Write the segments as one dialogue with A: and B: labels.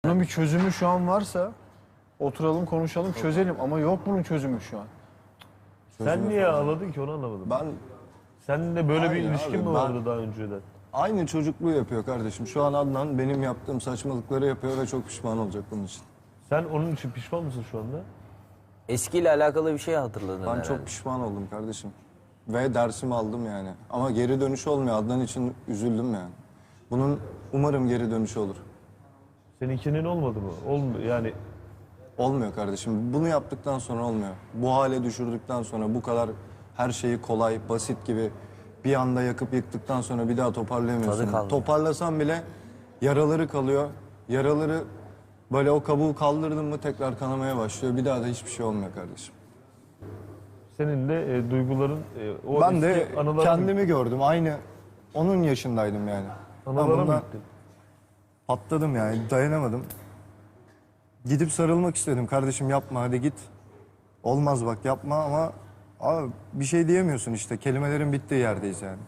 A: Bunun bir çözümü şu an varsa oturalım konuşalım çözelim ama yok bunun çözümü şu an.
B: Sen niye ağladın ki onu anlamadım.
C: Ben
B: Seninle böyle bir
C: Hayır
B: ilişkin
C: abi,
B: mi
C: ben-
B: vardı daha önceden?
C: aynı çocukluğu yapıyor kardeşim. Şu an Adnan benim yaptığım saçmalıkları yapıyor ve çok pişman olacak bunun için.
B: Sen onun için pişman mısın şu anda?
D: Eskiyle alakalı bir şey hatırladın
C: Ben
D: herhalde.
C: çok pişman oldum kardeşim. Ve dersimi aldım yani. Ama geri dönüş olmuyor. Adnan için üzüldüm yani. Bunun umarım geri dönüşü olur.
B: Seninkinin olmadı mı? Olmuyor yani.
C: Olmuyor kardeşim. Bunu yaptıktan sonra olmuyor. Bu hale düşürdükten sonra bu kadar her şeyi kolay, basit gibi bir anda yakıp yıktıktan sonra bir daha toparlayamıyorsun.
D: Tadı kalmıyor.
C: Toparlasan bile yaraları kalıyor. Yaraları böyle o kabuğu kaldırdın mı tekrar kanamaya başlıyor. Bir daha da hiçbir şey olmuyor kardeşim.
B: Senin de duyguların, o
C: Ben
B: eski
C: de
B: anılara
C: kendimi gördüm. Aynı onun yaşındaydım yani. Ben
B: Anılara mı
C: bundan
B: gittin?
C: patladım yani. Dayanamadım. Gidip sarılmak istedim. Kardeşim yapma hadi git. Olmaz bak yapma ama abi bir şey diyemiyorsun işte. Kelimelerin bittiği yerdeyiz yani.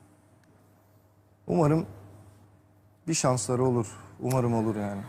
C: Umarım bir şansları olur. Umarım olur yani.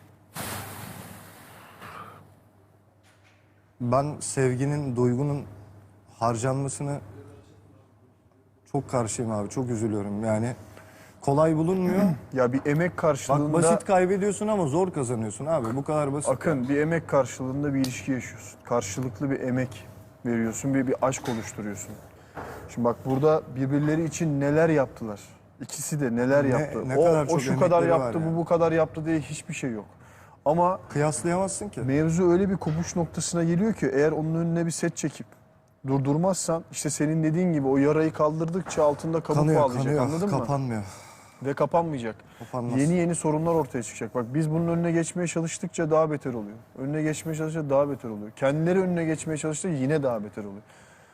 C: Ben sevginin, duygunun harcanmasını çok karşıyım abi. Çok üzülüyorum yani. Kolay bulunmuyor.
A: Ya bir emek
C: Bak
A: karşılığında
C: basit kaybediyorsun ama zor kazanıyorsun abi. Bu kadar basit.
A: Akın bir emek karşılığında bir ilişki yaşıyorsun. Karşılıklı bir emek veriyorsun, bir aşk oluşturuyorsun. Şimdi bak burada birbirleri için neler yaptılar. İkisi de neler yaptı.
C: ne kadar
A: O
C: çok
A: şu kadar
C: emekleri var
A: yaptı,
C: yani.
A: bu kadar yaptı diye hiçbir şey yok. Ama
C: Kıyaslayamazsın ki.
A: mevzu öyle bir kopuş noktasına geliyor ki eğer onun önüne bir set çekip durdurmazsan işte senin dediğin gibi o yarayı kaldırdıkça altında kabuk
C: Kanıyor,
A: bağlayacak,
C: kanıyor.
A: anladın mı?
C: Kapanmıyor.
A: Ve kapanmayacak.
C: Kapanmaz.
A: Yeni yeni sorunlar ortaya çıkacak. Bak biz bunun önüne geçmeye çalıştıkça daha beter oluyor. Önüne geçmeye çalıştıkça daha beter oluyor. Kendileri önüne geçmeye çalıştıkça yine daha beter oluyor.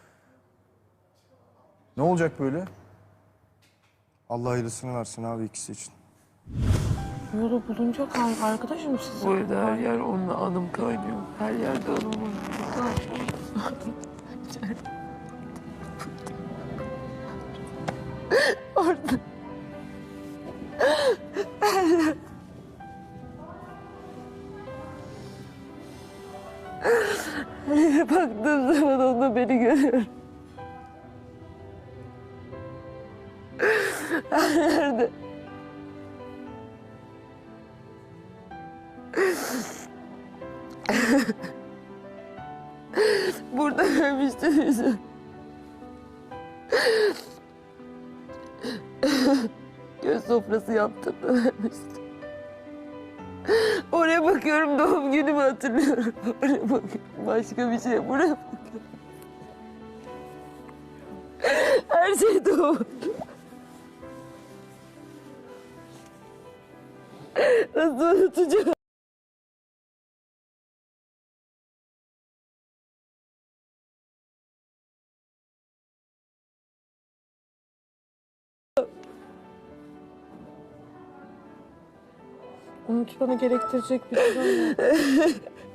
A: Ne olacak böyle?
C: Allah hayırlısını versin abi ikisi için.
E: Yolu bulunca arkadaşım siz.
F: Bu evde her yer onunla anım kaynıyor. Her yerde anım var.
E: Orada.
F: Baktığım zaman onda beni görüyorum. Her yerde. Burada görmüştüm yüzü. Göz sofrası yaptığımda vermiştim. Oraya bakıyorum, doğum günümü hatırlıyorum. Oraya bakıyorum, başka bir şey. Buraya bakıyorum. Her şey doğum. Nasıl unutacağım?
E: Unutmanı gerektirecek bir durum yok.